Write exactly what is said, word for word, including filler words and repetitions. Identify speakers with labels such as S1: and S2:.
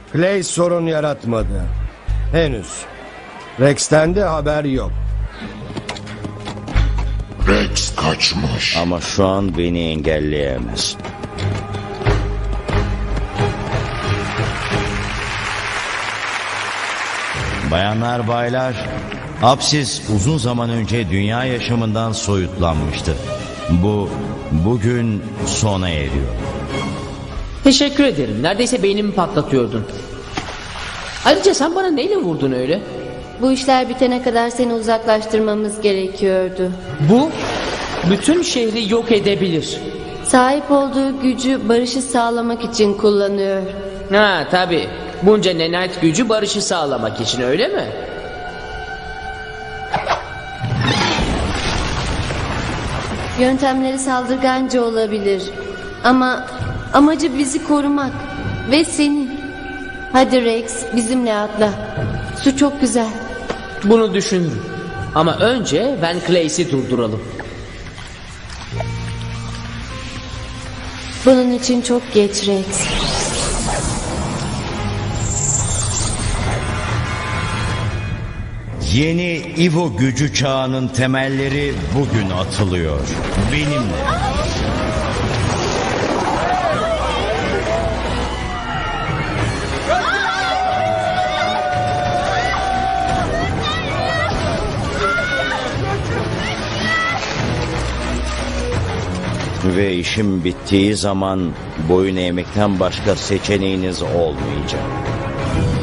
S1: Clay sorun yaratmadı. Henüz. Rex'ten de haber yok.
S2: Rex kaçmış.
S3: Ama şu an beni engelleyemez. Bayanlar baylar, Apsis uzun zaman önce dünya yaşamından soyutlanmıştı. Bu bugün sona eriyor.
S4: Teşekkür ederim. Neredeyse beynimi patlatıyordun. Ayrıca sen bana neyle vurdun öyle?
S5: Bu işler bitene kadar seni uzaklaştırmamız gerekiyordu.
S4: Bu bütün şehri yok edebilir.
S5: Sahip olduğu gücü barışı sağlamak için kullanıyor.
S4: Ha tabii. Bunca nenite gücü barışı sağlamak için, öyle mi?
S5: Yöntemleri saldırganca olabilir. Ama amacı bizi korumak. Ve seni. Hadi Rex, bizimle atla. Su çok güzel.
S4: Bunu düşünürüm. Ama önce Van Cleys'i durduralım.
S5: Bunun için çok geç Rex.
S3: Yeni Evo gücü çağının temelleri bugün atılıyor. Benimle. Ve işim bittiği zaman boyun eğmekten başka seçeneğiniz olmayacak.